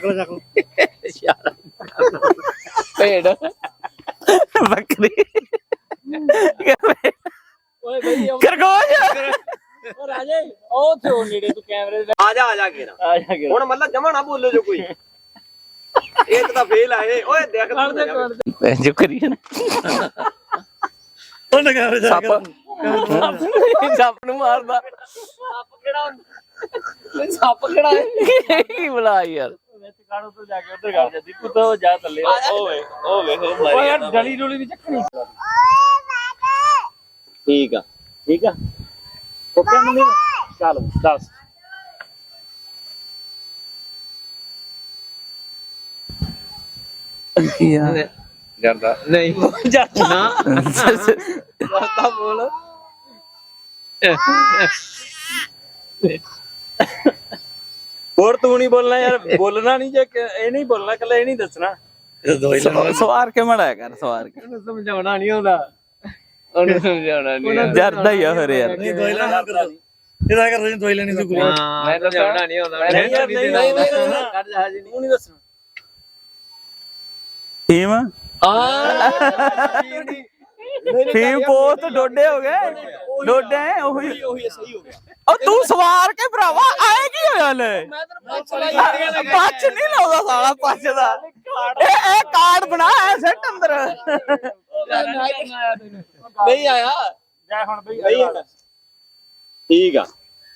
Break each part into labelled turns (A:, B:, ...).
A: ਭੇਡ ਬੱਕਰੀ ਖਰਗੋਸ਼
B: ਰਾਜੇ ਉਹ ਥੇ ਉਹ ਨੇੜੇ ਤੂੰ ਕੈਮਰੇ ਦੇ
C: ਆ ਜਾ ਕੇ ਹੁਣ ਮਤਲਬ ਜਮਾ ਨਾ ਬੋਲੋ ਜੋ ਕੋਈ ਇੱਕ ਤਾਂ ਫੇਲ ਆਏ ਓਏ ਦੇਖ
A: ਜੋ ਕਰੀ ਸੱਪ ਨੂੰ ਮਾਰਦਾ
B: ਸੱਪ ਕਿਹੜਾ
A: ਕੀ ਬੁਲਾ ਯਾਰ
B: ਕਾੜੋ ਤੋਂ ਜਾ ਕੇ ਉੱਧਰ ਕਰ ਜਾਂਦੀ ਤੂੰ ਤਾਂ ਜਾ ਥੱਲੇ ਓਏ ਓਏ ਯਾਰ ਡਲੀ ਡੋਲੀ ਨਹੀਂ ਚੱਕਣੀ
C: ਠੀਕ ਆ
B: ਓਕੇ ਮੰਮੀ ਚੱਲ ਦੱਸ
A: ਯਾਰ
C: ਜਾਂਦਾ
A: ਨਹੀਂ
B: ਜਾਂਦਾ
A: ਨਾ
B: ਜਾਂਦਾ ਬੋਲ ਹੋਰ ਤੂੰ ਨਹੀਂ ਬੋਲਣਾ ਯਾਰ ਬੋਲਣਾ ਨਹੀਂ ਜੇ ਇਹ ਨਹੀਂ ਬੋਲਣਾ ਕੱਲਾ ਇਹ ਨਹੀਂ ਦੱਸਣਾ
A: ਸਵਾਰ ਕੇ ਮੜਾਇਆ ਕਰ ਸਵਾਰ ਕੇ
B: ਉਹਨੂੰ ਸਮਝਾਉਣਾ ਨਹੀਂ ਆਉਂਦਾ
A: ਉਹਨੂੰ ਸਮਝਾਉਣਾ ਨਹੀਂ ਜਰਦਾ ਹੀ ਆ ਫਿਰ ਯਾਰ
B: ਨਹੀਂ ਦਵਾਈ ਲੈਣਾ ਇਹਦਾ ਕਰ ਰਹੀ ਦਵਾਈ ਲੈਣੀ ਤੂੰ ਕੁੜੀ
A: ਮੈਂ ਤਾਂ ਸਮਝਾਉਣਾ ਨਹੀਂ ਆਉਂਦਾ
B: ਨਹੀਂ ਕਰ ਜਾ ਜੀ ਨਹੀਂ ਦੱਸਣਾ
A: ਟੀਮ ਫੀਮ ਬਹੁਤ ਡੋਡੇ ਹੋ ਗਏ ਡੋਡੇ ਉਹੀ
C: ਸਹੀ ਹੋ ਗਿਆ
A: ਉਹ ਤੂੰ ਸਵਾਰ ਕੇ ਭਰਾਵਾ ਆਏ ਕੀ ਹੋਇਆ ਲੈ ਪੱਛ ਨਹੀਂ ਲਾਉਂਦਾ ਸਾਲਾ ਪੱਛ ਦਾ ਇਹ ਕਾਰਡ ਬਣਾ ਐ ਸੈੱਟ ਅੰਦਰ
C: ਨਹੀਂ ਆਇਆ
B: ਜਾ ਹੁਣ ਬਈ
C: ਠੀਕ ਆ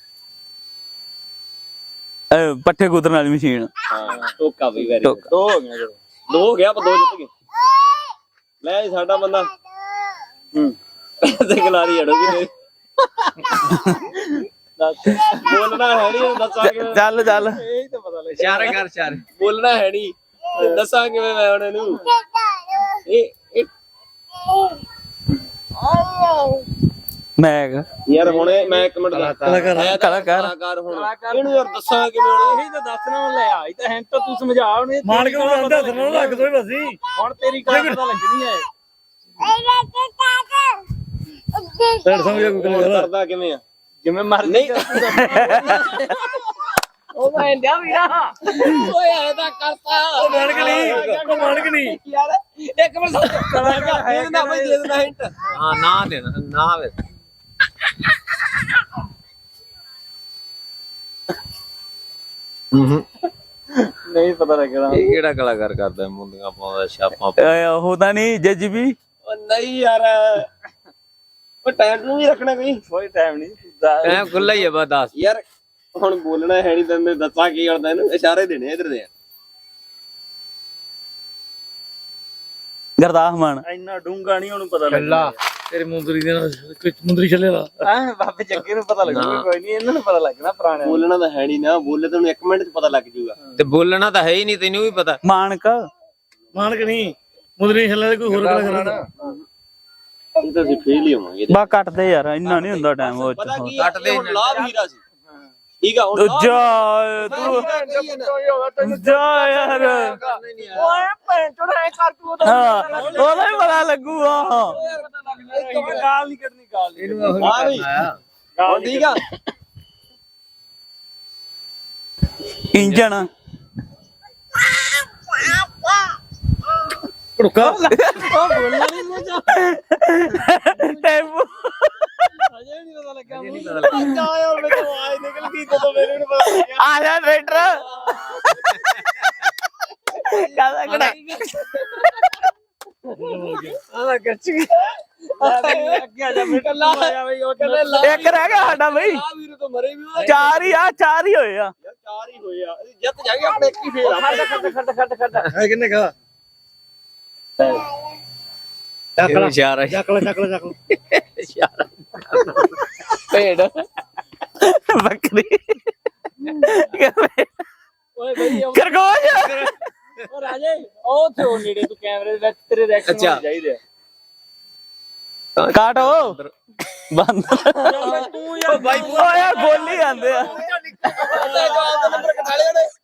A: ਪੱਠੇ ਕੁਤਰਨ ਵਾਲੀ ਮਸ਼ੀਨ
C: ਹਾਂ ਟੋਕਾ ਵੀ ਵੈਰੀ
A: ਟੋਕਾ।
C: ਦੋ ਹੋ ਗਿਆ ਦੋ ਹੋ ਗਿਆ ਪਰ ਦੋ ਜਿੱਤ ਗਏ ਲੈ ਜੀ ਸਾਡਾ ਬੰਦਾ ਤੇ ਗਲਾਰੀ ਅੜੋਗੀ ਨੇ ਬੋਲਣਾ ਹੈ ਨਹੀਂ ਦੱਸਾਂਗੇ
A: ਚੱਲ ਚੱਲ
B: ਇਹ ਤਾਂ ਪਤਾ ਲੱਗ
A: ਚਾਰ ਕਰ ਚਾਰ
C: ਬੋਲਣਾ ਹੈ ਨਹੀਂ ਦੱਸਾਂ ਕਿਵੇਂ ਮੈਂ ਹੁਣ ਇਹਨੂੰ ਇਹ
A: ਮੈਂ
C: ਯਾਰ ਹੁਣ ਮੈਂ ਇੱਕ ਮਿੰਟ
A: ਕਲਾਕਾਰ
C: ਹੁਣ ਇਹਨੂੰ ਯਾਰ ਦੱਸਾਂ ਕਿਵੇਂ ਹੁਣ
B: ਇਹੀ ਤਾਂ ਦੱਸਣਾ ਹੁਣ ਲੈ ਆਈ ਤਾਂ ਹਿੰਟ ਤੂੰ ਸਮਝਾ ਹੁਣ
D: ਮਾਰ ਕੇ ਉਹ ਦੱਸਣਾ ਲੱਗ ਦੋ ਬਸੀ
B: ਹੁਣ ਤੇਰੀ ਗੱਲ ਪਤਾ ਲੱਗਣੀ ਹੈ
D: ਸਰ ਸਮਝਿਆ ਕੋਈ ਗੱਲ
C: ਕਰਦਾ ਕਿਵੇਂ ਆ
B: ਜਿਵੇਂ ਮਰ
C: ਨਹੀਂ
B: ਉਹ ਮੈਂ ਡਿਆ ਵੀਰਾ ਓਏ ਐ ਤਾਂ ਕਰਤਾ
D: ਉਹ ਮਾਨਕ ਨਹੀਂ
B: ਯਾਰ ਇੱਕ ਮਿੰਟ ਦੇ ਦੇਣਾ ਬਈ ਦੇ ਦੇਣਾ ਹਿੰਟ
A: ਹਾਂ ਨਾ ਦੇਣਾ ਨਾ ਵੇ
B: ਨਹੀਂ ਪਤਾ ਲੱਗਣਾ
A: ਇਹ ਕਿਹੜਾ ਕਲਾਕਾਰ ਕਰਦਾ ਮੁੰਡੀਆਂ ਪਾਉਂਦਾ ਛਾਪਾਂ ਉਹ ਤਾਂ ਨਹੀਂ ਜੱਜ ਵੀ
C: ਉਹ ਨਹੀਂ ਯਾਰ ਉਹ ਟਾਈਮ ਨੂੰ ਵੀ ਰੱਖਣਾ ਕੋਈ
B: ਟਾਈਮ ਨਹੀਂ
A: ਟਾਈਮ ਖੁੱਲਾ ਹੀ ਹੈ ਬਸ ਦੱਸ
C: ਯਾਰ ਹੁਣ ਬੋਲਣਾ ਹੈ ਨਹੀਂ ਤੈਨੂੰ ਦੱਸਾਂ ਕੀ ਕਰਦਾ ਇਹਨੂੰ ਇਸ਼ਾਰੇ ਦੇਣੇ ਇਧਰ ਦੇ
A: ਗਰਦਾਸ ਮਾਨ
B: ਇੰਨਾ ਡੂੰਗਾ ਨਹੀਂ ਉਹਨੂੰ ਪਤਾ ਲੱਗਦਾ
D: ਤੇਰੇ ਮੁੰਦਰੀ ਦੇ ਨਾਲ ਮੁੰਦਰੀ ਛੱਲੇ ਦਾ
B: ਹਾਂ ਬਾਬੇ ਜੱਗੇ ਨੂੰ ਪਤਾ ਲੱਗੂਗਾ ਕੋਈ ਨਹੀਂ ਇਹਨਾਂ ਨੂੰ ਪਤਾ ਲੱਗਣਾ ਪੁਰਾਣੇ
C: ਬੋਲਣਾ ਤਾਂ ਹੈ ਨਹੀਂ ਨਾ ਬੋਲੇ ਤੈਨੂੰ 1 ਮਿੰਟ ਚ ਪਤਾ ਲੱਗ ਜਾਊਗਾ
A: ਤੇ ਬੋਲਣਾ ਤਾਂ ਹੈ ਹੀ ਨਹੀਂ ਤੈਨੂੰ ਵੀ ਪਤਾ
D: ਮਾਨਕ ਨਹੀਂ ਮੁੰਦਰੀ ਛੱਲੇ ਦਾ ਕੋਈ ਹੋਰ ਕਲਾ ਕਰਦਾ
C: ਇਹ ਤਾਂ ਅਸੀਂ ਫੇਲ ਹੀ ਹੋਵਾਂਗੇ
A: ਬਾ ਕੱਟਦੇ ਯਾਰ ਇੰਨਾ ਨਹੀਂ ਹੁੰਦਾ ਟਾਈਮ ਉਹ
C: ਪਤਾ ਕੀ
A: ਕੱਟ ਦੇ
C: ਹੁਣ ਲਾਭ ਹੀਰਾ ਸੀ ਠੀਕ ਆ ਹੁਣ
A: ਜਾ ਤੂੰ ਜਾ ਯਾਰ
B: ਓਏ ਭੈਣ ਚੋਦ ਐ ਕਰ ਤੂੰ
A: ਹਾਂ ਉਹਦਾ ਹੀ ਪਤਾ ਲੱਗੂਗਾ
B: ਗਾਲ ਨਹੀਂ ਕਰਨੀ ਗਾਲ
C: ਹਾਂ ਵੀ ਹੁਣ ਠੀਕ ਆ
A: ਇੰਜਣ
D: ਰੁਕਾ
B: ਉਹ ਬੋਲਣਾ ਨਹੀਂ ਮੋਜਾ
A: ਟੈਂਪੂ
B: ਅਜੇ ਨਹੀਂ ਪਤਾ ਲੱਗਾ ਮੈਨੂੰ ਜਾ ਯਾਰ ਮੈਨੂੰ ਆਵਾਜ਼ ਨਿਕਲ ਗਈ ਜਦੋਂ ਮੇਰੇ ਨੂੰ ਪਤਾ ਲੱਗਿਆ
A: ਆ ਜਾ ਟਰੈਕਟਰ ਕਾਦਾ ਕੜਾ
B: ਆਹ ਕੱਚ ਅੱਗੇ ਆ ਜਾ ਬੇਟਾ ਲਾ ਆਇਆ ਬਈ ਉਹ ਕਹਿੰਦੇ ਲਾ
A: ਇੱਕ ਰਹਿ ਗਿਆ ਸਾਡਾ ਬਈ
C: ਆ ਵੀਰ ਤੋਂ ਮਰੇ ਵੀ
A: ਚਾਰ ਹੀ ਹੋਏ ਆ
C: ਯਾਰ 4 ਹੀ ਹੋਏ ਆ ਅਸੀਂ ਜਿੱਤ ਜਾਗੇ ਆਪਣੇ ਇੱਕ ਹੀ ਫੇਲ ਆ
B: ਖੱਟ
D: ਹੈ ਕਿੰਨੇ ਕਹਾ
A: ਇਹ ਇਸ਼ਾਰਾ
D: ਚੱਕ ਲੈ
A: ਇਸ਼ਾਰਾ ਭੇਡ ਬੱਕਰੀ
B: ਓਏ ਬਈ
A: ਖਰਗੋਸ਼
B: ਉਹ ਰਾਜੇ ਉਹ ਥੇ ਉਹ ਨੇੜੇ ਤੂੰ ਕੈਮਰੇ ਦੇ ਵਿੱਚ ਤੇਰੇ ਰਿਐਕਸ਼ਨ ਚਾਹੀਦੇ ਆ
A: ਕਾਟੋ ਬੰਦ
B: ਤੂੰ ਯਾਰ
C: ਬਾਈ
A: ਓ ਯਾਰ ਬੋਲੀ ਜਾਂਦੇ ਆ
C: ਜਵਾਬ ਦਾ ਨੰਬਰ ਕਟਾ ਲਿਆ ਨੇ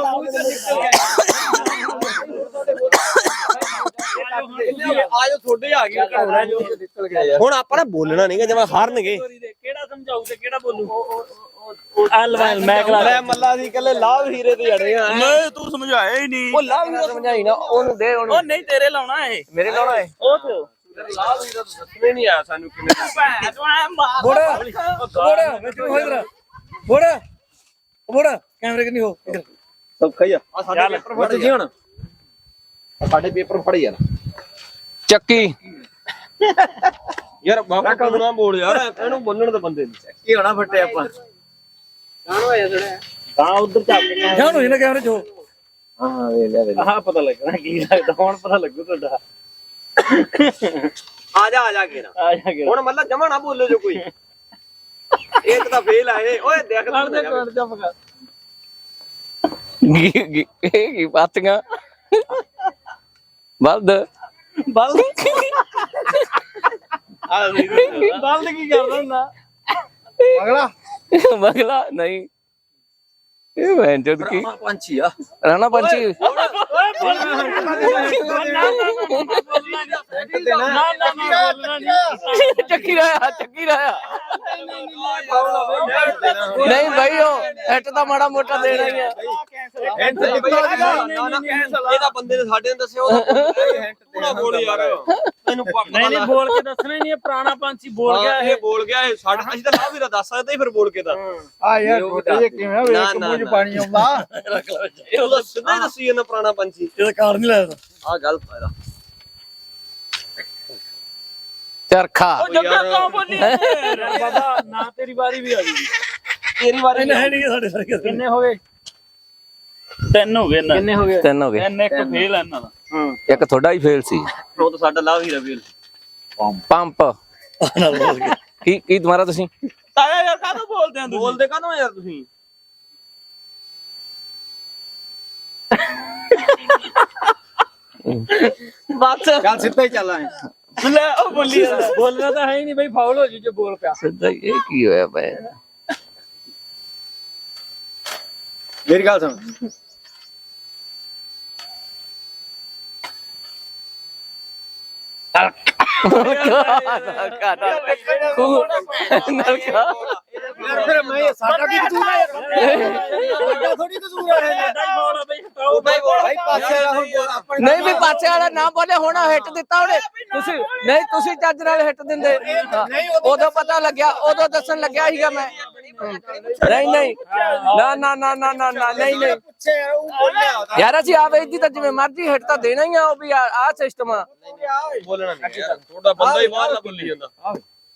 C: ਆਜੋ ਤੁਹਾਡੇ ਆ ਗਏ ਘੋੜਾ ਜੋ ਨਿਕਲ ਗਿਆ ਯਾਰ ਹੁਣ ਆਪਾਂ ਨਾ ਬੋਲਣਾ ਨਹੀਂਗਾ ਜਿਵੇਂ ਹਾਰਨਗੇ
B: ਕਿਹੜਾ ਸਮਝਾਊ ਤੇ ਕਿਹੜਾ ਬੋਲੂ ਮੈਂ ਕਰਾ
C: ਲੈ ਮੱਲਾ ਦੀ ਕੱਲੇ ਲਾਭ ਹੀਰੇ ਤੇ ਅੜੇ ਆ
A: ਨਹੀਂ ਤੂੰ ਸਮਝਾਇਆ ਹੀ ਨਹੀਂ।
C: ਉਹ ਲਾਭ ਹੀਰਾ ਸਮਝਾਈ ਨਾ ਉਹਨੂੰ ਦੇ ਉਹਨੂੰ।
A: ਉਹ ਨਹੀਂ ਤੇਰੇ ਲਾਉਣਾ ਏ।
C: ਮੇਰੇ ਲਾਉਣਾ ਹੈ
A: ਉਹ ਤੇ
C: ਲਾਭ ਹੀਰਾ ਤਾਂ ਦੱਸਣੇ ਨਹੀਂ ਆਇਆ ਸਾਨੂੰ ਕਿਵੇਂ
A: ਭੈਣ ਚੋਂ ਐਂ ਮਾਰ
D: ਬੋੜਾ ਮੈਨੂੰ ਹੋਈ ਤੇਰਾ ਬੋੜਾ ਕੈਮਰੇ ਕਿ ਨਹੀਂ ਹੋ ਇੱਧਰ
C: ਸੌਖਾ ਹੀ ਆ ਸਾਡੇ ਪੇਪਰ ਫੜ ਜੀ ਹੁਣ ਸਾਡੇ ਪੇਪਰ ਫੜ ਯਾਰ ਚੱਕੀ ਯਾਰ ਬਾਬਾ ਕਦੋਂ ਨਾ ਬੋਲ ਯਾਰ ਇਹਨੂੰ ਬੋਲਣ ਦੇ ਬੰਦੇ ਨੂੰ
D: ਕੀ ਹੋਣਾ ਫੱਟੇ ਆਪਾਂ
C: ਕਾਣ ਹੋਇਆ ਥੋੜਾ
B: ਤਾਂ ਉਧਰ ਚੱਕ ਕੇ
D: ਜਾਣ ਹੋਈ ਨਾ ਕੈਮਰੇ ਚ ਹੋ।
C: ਹਾਂ ਵੇ ਲੈ
B: ਆਹ ਪਤਾ ਲੱਗਣਾ ਕੀ ਲੱਗਦਾ ਹੁਣ ਪਤਾ ਲੱਗੂ ਤੁਹਾਡਾ
C: ਆ ਜਾ ਕੇ ਨਾ
B: ਆ ਜਾ ਕੇ
C: ਹੁਣ ਮਤਲਬ ਜਮਾ ਨਾ ਬੋਲੋ ਜੋ ਕੋਈ ਇੱਕ ਤਾਂ ਫੇਲ ਆਏ ਓਏ ਦੇਖ
B: ਕਰ ਦੇ ਕਰ ਜਾ ਮਗਾ
C: ਕੀ ਪਾਤੀਆਂ ਬਲਦ
B: ਬਲਦ ਬਲਦ ਕੀ ਕਰਦਾ ਹੁੰਦਾ
D: ਅਗਲਾ
C: ਮਗਲਾ ਨਹੀਂ ਇਹ ਮੈਂ ਜਦ ਕੀ ਪੰਛੀ ਆ ਰਾਣਾ ਪੰਛੀ ਚੱਕੀ ਰਾਇਆ ਨਹੀਂ ਭਾਈ ਉਹ ਇੱਟ ਦਾ ਮਾੜਾ ਮੋਟਾ ਦੇਣਾ ਹੀ ਆ ਇਹਦਾ ਬੰਦੇ ਨੇ ਸਾਡੇ ਨੂੰ ਦੱਸਿਆ ਉਹਦਾ ਬੋਲ ਯਾਰ ਤੈਨੂੰ
B: ਨਹੀਂ ਬੋਲ ਕੇ ਦੱਸਣਾ ਹੀ ਨਹੀਂ ਪੁਰਾਣਾ ਪੰਛੀ ਬੋਲ ਗਿਆ
C: ਇਹ ਬੋਲ ਗਿਆ ਇਹ ਸਾਡਾ ਅਸੀਂ ਤਾਂ ਲਾਭ ਵੀਰਾ ਦੱਸ ਸਕਦੇ ਫਿਰ ਬੋਲ ਕੇ ਤਾਂ
D: ਆ ਯਾਰ ਛੋਟੇ ਜਿਹੇ ਕਿਵੇਂ ਵੇਖ ਮੂੰਹ ਚ ਪਾਣੀ ਆਉਂਦਾ
C: ਇਹ ਉਹਦਾ ਸਿੱਧਾ ਹੀ ਦੱਸੀ ਇਹਨਾਂ ਪੁਰਾਣਾ ਪੰਛੀ
D: ਇਹਦਾ ਕਾਰ ਨਹੀਂ ਲੱਗਦਾ
C: ਆ ਗਲਤ ਫਾਇਦਾ ਚਰਖਾ
A: ਉਹ ਜੱਗਾ ਕਿਉਂ ਬੋਲੀ
B: ਬਾਬਾ ਨਾ ਤੇਰੀ ਵਾਰੀ ਵੀ ਆ ਗਈ
C: ਤੇਰੀ ਵਾਰੀ
D: ਇਹਨੇ ਹੈ ਨਹੀਂ ਸਾਡੇ ਸਾਰੇ
B: ਕਿੰਨੇ ਹੋ ਗਏ
A: ਤਿੰਨ ਹੋ ਗਏ ਨਾ।
B: ਕਿੰਨੇ ਹੋ ਗਏ
C: ਤਿੰਨ ਹੋ ਗਏ
A: ਤਿੰਨ ਇੱਕ ਫੇਲ ਆ ਇਹਨਾਂ ਦਾ।
C: ਇੱਕ ਤੁਹਾਡਾ ਹੀ ਫੇਲ ਸੀ ਉਹ ਤਾਂ ਸਾਡਾ ਲਾਭ ਹੀਰਾ ਫੇਲ ਪੰਪ
D: ਨਾਲ ਬੋਲ ਕੇ
C: ਕੀ ਦੁਬਾਰਾ ਤੁਸੀਂ
A: ਤਾਇਆ ਯਾਰ ਕਾਹਦੋਂ ਬੋਲਦੇ ਆ ਤੁਸੀਂ?
C: ਬੋਲਦੇ ਕਾਹਨੂੰ ਯਾਰ ਤੁਸੀਂ
A: ਬਸ
D: ਚੱਲ ਸਿੱਧਾ ਹੀ ਚੱਲ ਆਏ
A: ਲੈ ਉਹ ਬੋਲੀ ਯਾਰ।
B: ਬੋਲਣਾ ਤਾਂ ਹੈ ਹੀ ਨਹੀਂ ਬਈ ਫਾਉਲ ਹੋ ਜੂ ਜੇ ਬੋਲ ਪਿਆ
C: ਸਿੱਧਾ ਹੀ ਇਹ ਕੀ ਹੋਇਆ ਪਿਆ
D: ਮੇਰੀ ਗੱਲ ਸੁਣ ਫਿਰ ਮੈਂ ਸਾਡਾ ਕੀ ਕਸੂਰ ਹੈ ਸਾਡਾ ਥੋੜੀ ਕਸੂਰ ਹੈ ਭਾਈ ਪਾਸੇ ਵਾਲਾ ਹੁਣ
C: ਨਹੀਂ ਵੀ ਪਾਸੇ ਵਾਲਾ ਨਾ ਬੋਲੇ ਹੁਣ ਹਿੱਟ ਦਿੱਤਾ ਉਹਨੇ ਤੁਸੀਂ ਨਹੀਂ ਤੁਸੀਂ ਚੱਜ ਨਾਲ ਹਿੱਟ ਦਿੰਦੇ ਉਦੋਂ ਪਤਾ ਲੱਗਿਆ ਉਦੋਂ ਦੱਸਣ ਲੱਗਿਆ ਸੀਗਾ ਮੈਂ ਨਹੀਂ ਨਹੀਂ ਨਾ ਨਾ ਨਾ ਨਾ ਨਾ ਨਾ ਨਹੀਂ ਨਹੀਂ
D: ਪੁੱਛੇ ਉਹ ਬੋਲਿਆ
C: ਯਾਰ ਅਸੀਂ ਆ ਵੇਚਦੀ ਤਾਂ ਜਿਵੇਂ ਮਰਜ਼ੀ ਹਿੱਟ ਤਾਂ ਦੇਣਾ ਹੀ ਆ ਉਹ ਵੀ ਆ ਸਿਸਟਮ ਆ ਬੋਲਣਾ ਨਹੀਂ ਯਾਰ ਤੁਹਾਡਾ ਬੰਦਾ ਹੀ ਬਾਹਰ ਨਾ ਬੋਲੀ ਜਾਂਦਾ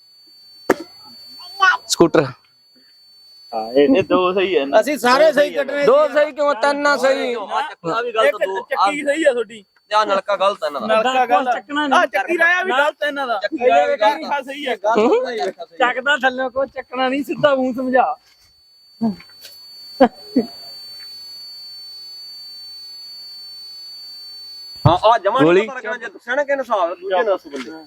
C: ਸਕੂਟਰ
A: ਇਹ ਦੋ ਸਹੀ ਹੈ ਨਾ।
D: ਅਸੀਂ ਸਾਰੇ ਸਹੀ ਕੱਢਣੇ
C: ਦੋ ਸਹੀ ਕਿਉਂ ਤਿੰਨ ਨਾ ਸਹੀ
A: ਆ ਵੀ ਗਲਤ ਦੋ ਚੱਕੀ ਸਹੀ ਆ ਤੁਹਾਡੀ
C: ਆ ਨਲਕਾ ਗਲਤ ਹੈ ਨਾ
A: ਨਲਕਾ ਗਲਤ
B: ਚੱਕਣਾ
A: ਆ ਚੱਕੀ ਰਾਇਆ ਵੀ ਗਲਤ ਇਹਨਾਂ ਦਾ
C: ਚੱਕੀ ਰਾਇਆ ਵੀ ਗਲਤ
A: ਹਾਂ ਸਹੀ ਹੈ
B: ਚੱਕਦਾ ਥੱਲੇ ਕੋ ਚੱਕਣਾ ਨਹੀਂ ਸਿੱਧਾ ਮੂੰਹ ਸਮਝਾ
C: ਹਾਂ ਆ ਜਮਾ ਨਹੀਂ ਪਤਾ ਲੱਗਣਾ ਜੇ ਦੱਸਿਆ ਨਾ ਕਿ ਹਿਸਾਬ ਦੂਜੇ ਨਾਲ ਬੰਦੇ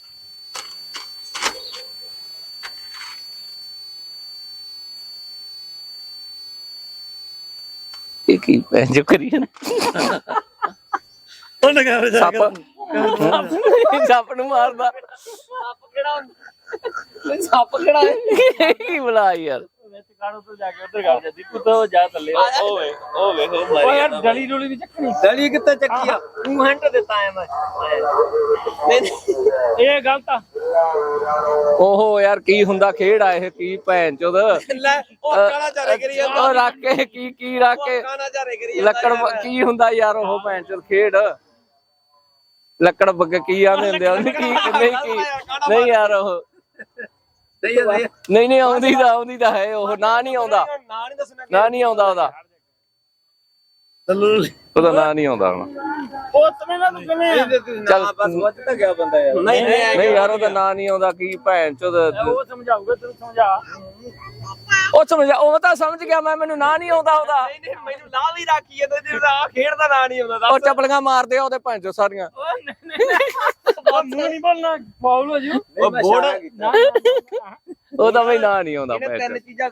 C: ਇਹ ਕੀ ਜੋ ਕਰੀ ਨਾ
D: ਉਹਨੇ ਕਹਾ
C: ਸੱਪ ਸੱਪ ਨੂੰ ਮਾਰਦਾ ਸੱਪ ਕਿਹੜਾ ਹੈ ਕੀ ਬੁਲਾ ਯਾਰ
B: ਵਿੱਚ ਕਾੜੋ ਤੋਂ ਜਾ ਕੇ ਉਧਰ ਕਰ ਜਾ ਦੀਪੂ ਤੋਂ ਜਾ ਥੱਲੇ
A: ਓਏ ਓ
B: ਓ ਯਾਰ ਡਲੀ ਡੋਲੀ ਵੀ ਚੱਕਣੀ
C: ਦਲੀ ਕਿੱਥੇ ਚੱਕੀ ਆ ਤੂੰ ਹੰਟ ਦਿੱਤਾ ਐ ਮੈਂ
B: ਇਹ ਗਲਤ ਆ
C: ਓਹੋ ਯਾਰ ਕੀ ਹੁੰਦਾ ਖੇਡ ਆ ਇਹ ਕੀ ਭੈਣ ਚੋਦ
A: ਲੈ ਉਹ ਕਾਲਾ ਚਾਰੇ ਕਰੀ ਜਾਂਦਾ
C: ਉਹ ਰੱਖ ਕੇ ਕੀ ਰੱਖ ਕੇ
A: ਕਾਲਾ ਚਾਰੇ ਕਰੀ ਜਾਂਦਾ
C: ਲੱਕੜ ਕੀ ਹੁੰਦਾ ਯਾਰ ਉਹ ਭੈਣ ਚੋਦ ਖੇਡ ਲੱਕੜ ਬੱਗ ਕੀ ਆਂਦੇ ਹੁੰਦੇ ਆ ਕੀ ਨਹੀਂ ਕੀ ਨਹੀਂ ਯਾਰ ਉਹ ਨਹੀਂ ਆਉਂਦੀ ਤਾਂ ਹੈ ਉਹ ਨਾ ਨਹੀਂ ਆਉਂਦਾ
A: ਨਾ ਨਹੀਂ ਦੱਸਣਾ
C: ਨਾ ਨਹੀਂ ਆਉਂਦਾ ਉਹਦਾ ਉਹਦਾ ਨਾਂ ਨਹੀਂ ਆਉਂਦਾ ਹੁਣ
A: ਉਹ ਤਵੇਂ ਨਾ ਤੂੰ ਕਿਵੇਂ
C: ਚੱਲ
A: ਬਸ ਵੱਜ ਤਾਂ ਗਿਆ ਬੰਦਾ ਯਾਰ
C: ਨਹੀਂ ਯਾਰ ਉਹਦਾ ਨਾਂ ਨਹੀਂ ਆਉਂਦਾ ਕੀ ਭੈਣ ਚੋਦ
B: ਉਹ ਸਮਝਾਊਗਾ ਤੈਨੂੰ ਸਮਝਾ
C: ਉਹ ਸਮਝਿਆ ਉਹ ਤਾਂ ਸਮਝ ਗਿਆ ਮੈਨੂੰ ਨਾਂ ਨਹੀਂ ਆਉਂਦਾ ਉਹਦਾ
A: ਨਹੀਂ ਮੈਨੂੰ ਲਾ ਵੀ ਰੱਖੀ ਜਾਂਦਾ ਜਿਹਦਾ ਆ ਖੇਡ ਦਾ ਨਾਂ ਨਹੀਂ ਆਉਂਦਾ
C: ਉਹ ਚਪਲੀਆਂ ਮਾਰਦੇ ਆ ਉਹਦੇ ਭੈਣ ਚੋਦ ਸਾਰੀਆਂ
B: ਮੂੰਹ ਨਹੀਂ ਬੋਲਣਾ ਫਾਉਲ ਹੋ ਜੂ
A: ਉਹ ਬੋੜ
C: ਉਹਦਾ ਵੀ ਨਾਂ ਨਹੀਂ ਆਉਂਦਾ ਭੈਣ
A: ਤਿੰਨ
C: ਚੋਦ
A: ਚੀਜ਼ਾਂ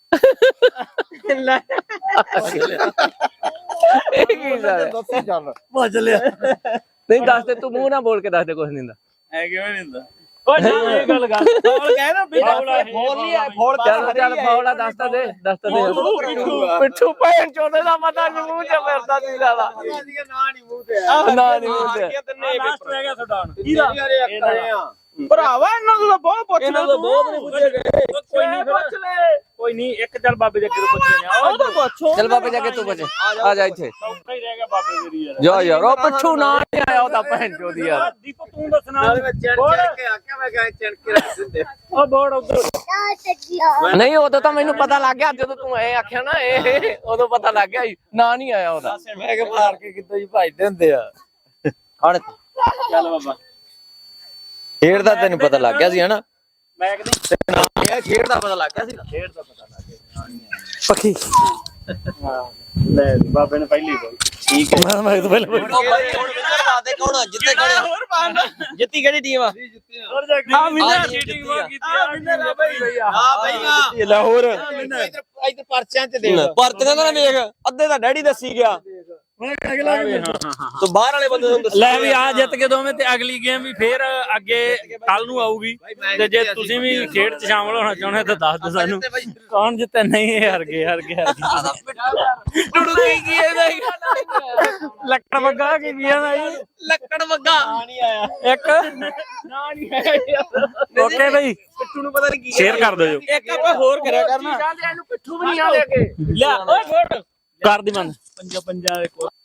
C: ਇਹ ਕੀ ਸਾਲਾ
D: ਦੱਸੀ ਚੱਲ ਭੱਜ ਲਿਆ
C: ਨਹੀਂ ਦੱਸ ਦੇ ਤੂੰ ਮੂੰਹ ਨਾ ਬੋਲ ਕੇ ਦੱਸ ਦੇ ਕੁਛ ਨਹੀਂ ਹੁੰਦਾ
A: ਐ ਕਿਵੇਂ ਨਹੀਂ ਹੁੰਦਾ
B: ਓਏ ਨਾ ਇਹ ਗੱਲ ਕਰ
A: ਫੌਲ ਕਹਿ ਨਾ ਵੀ
B: ਫੌਲ ਆ ਇਹ।
A: ਫੌਲ ਨਹੀਂ ਆ ਫੌਲ
C: ਚੱਲ ਫੌਲਾ ਦੱਸ ਤਾਂ ਦੇ ਪਿੱਠੂ ਭੈਣ ਚੋਦੇ ਦਾ ਪਤਾ ਨਹੀਂ ਮੂੰਹ ਚ ਫਿਰਦਾ ਸੀ ਲਾਲਾ
D: ਨਾ ਨਹੀਂ ਮੂੰਹ ਤੇ
C: ਨਾ ਨਹੀਂ ਮੂੰਹ ਤੇ
B: ਲਾਸਟ ਰਹਿ ਗਿਆ ਤੁਹਾਡਾ ਹੁਣ
A: ਭਰਾਵਾ ਇਹਨਾਂ ਨੂੰ ਤਾਂ ਬਹੁਤ ਪੁੱਛ
B: ਇਹਨਾਂ ਤੋਂ ਬਹੁਤ ਨਹੀਂ ਪੁੱਛੇ ਗਏ ਕੋਈ ਨਹੀਂ ਪੁੱਛ ਲੈ ਕੋਈ ਨਹੀਂ ਇੱਕ ਚੱਲ ਬਾਬੇ ਦੇ ਅੱਗੇ ਤੋਂ ਪੁੱਛਦੇ ਨੇ
A: ਉਹ ਤਾਂ ਪੁੱਛੋ
C: ਚੱਲ ਬਾਬੇ ਜਾ ਕੇ ਤੂੰ ਬਚੇ ਆ ਜਾ ਇੱਥੇ
B: ਔਖਾ ਹੀ ਰਹਿ ਗਿਆ ਬਾਬੇ ਮੇਰੀ ਯਾਰ
C: ਜਾ ਯਾਰ ਉਹ ਪਿੱਠੂ ਨਾ ਨਹੀਂ ਆਇਆ ਉਹ ਤਾਂ ਭੈਣ ਚੋਦੀ ਯਾਰ
B: ਦੀਪੋ ਤੂੰ ਦੱਸਣਾ
D: ਨਾਲੇ ਮੈਂ ਚਣ ਕੇ ਆਖਿਆ ਮੈਂ ਕਹਾਂ ਚਣ ਕੇ ਰੱਖ ਦਿੰਦੇ
B: ਉਹ ਬੋੜ ਉਧਰ
C: ਨਹੀਂ ਉਦੋਂ ਤਾਂ ਮੈਨੂੰ ਪਤਾ ਲੱਗ ਗਿਆ ਜਦੋਂ ਤੂੰ ਐ ਆਖਿਆ ਨਾ ਇਹ ਉਦੋਂ ਪਤਾ ਲੱਗ ਗਿਆ ਨਾ ਨਹੀਂ ਆਇਆ ਉਹਦਾ
D: ਮੈਂ ਕਿ ਮਾਰ ਕੇ ਕਿੱਦਾਂ ਜੀ ਭਜਦੇ ਹੁੰਦੇ ਆ ਖੜ
B: ਚੱਲ ਬਾਬਾ
D: ਖੇਡ ਦਾ ਤੈਨੂੰ ਪਤਾ ਲੱਗ ਗਿਆ ਸੀ ਹਨਾ
B: ਮੈਂ ਕਹਿੰਦੀ
D: ਇਹ ਖੇਡ ਦਾ ਪਤਾ ਲੱਗ ਗਿਆ ਸੀ
B: ਖੇਡ ਦਾ ਪਤਾ ਲੱਗ ਗਿਆ
C: ਪੱਖੀ
B: ਹਾਂ ਲੈ ਬਾਬੇ ਨੇ ਪਹਿਲੀ ਬੋਲ
D: ਠੀਕ ਹੈ
C: ਮੈਂ ਤਾਂ ਪਹਿਲਾਂ
D: ਜਿੱਤੇ
A: ਹੋਰ ਪਾਣ
D: ਜਿੱਤੀ ਕਿਹੜੀ ਟੀਮ ਆ
B: ਹੋਰ ਜਾ ਕੇ
A: ਆ ਵਿਨਰ
B: ਚੀਟਿੰਗ ਵਾ ਕੀਤੀ
A: ਆ ਵਿਨਰ ਆ ਬਈ
D: ਹਾਂ ਬਈ
A: ਲਾਹੌਰ
D: ਇੱਧਰ ਪਰਚਿਆਂ ਤੇ ਦੇ
A: ਪਰਤੀਆਂ ਤਾਂ ਵੇਖ ਅੱਧੇ ਤਾਂ ਡੈਡੀ ਦੱਸੀ ਗਿਆ ਤੂੰ ਬਾਹਰ ਵਾਲੇ ਬੰਦੇ ਨੂੰ
B: ਲੈ ਵੀ ਆ ਜਿੱਤ ਕੇ ਦੋਵੇਂ ਤੇ ਅਗਲੀ ਗੇਮ ਵੀ ਫੇਰ ਅੱਗੇ ਕੱਲ ਨੂੰ ਆਊਗੀ ਤੇ ਜੇ ਤੁਸੀਂ ਵੀ ਖੇਡ 'ਚ ਸ਼ਾਮਲ ਹੋਣਾ ਚਾਹੁੰਦੇ ਤਾਂ ਦੱਸ ਦਿਓ ਸਾਨੂੰ ਕੌਣ ਜਿੱਤੇ ਨਹੀਂ ਇਹ ਹਾਰ ਗਏ
C: ਟੁੱਟੂ ਕੀ ਇਹਦਾ
B: ਲੱਕੜ ਵੱਗਾ ਕੀ ਗਿਆ ਨਾ ਜੀ
C: ਲੱਕੜ ਵੱਗਾ
B: ਨਹੀਂ ਆਇਆ
C: ਇੱਕ
B: ਨਾ ਨਹੀਂ ਆਇਆ ਓਕੇ ਬਈ
C: ਪਿੱਠੂ ਨੂੰ ਪਤਾ ਨਹੀਂ ਕੀ
B: ਸ਼ੇਅਰ ਕਰ ਦਿਓ
A: ਇੱਕ ਆਪਾਂ ਹੋਰ ਕਰਿਆ ਕਰਨਾ
C: ਇਹਨੂੰ ਪਿੱਠੂ ਵੀ ਨਹੀਂ ਆ ਲੈ ਕੇ
B: ਲਿਆ ਓਏ ਛੋੜ ਕਰ ਦੀ ਬੰਦ ਪੰਜਾ ਦੇ ਕੋਲ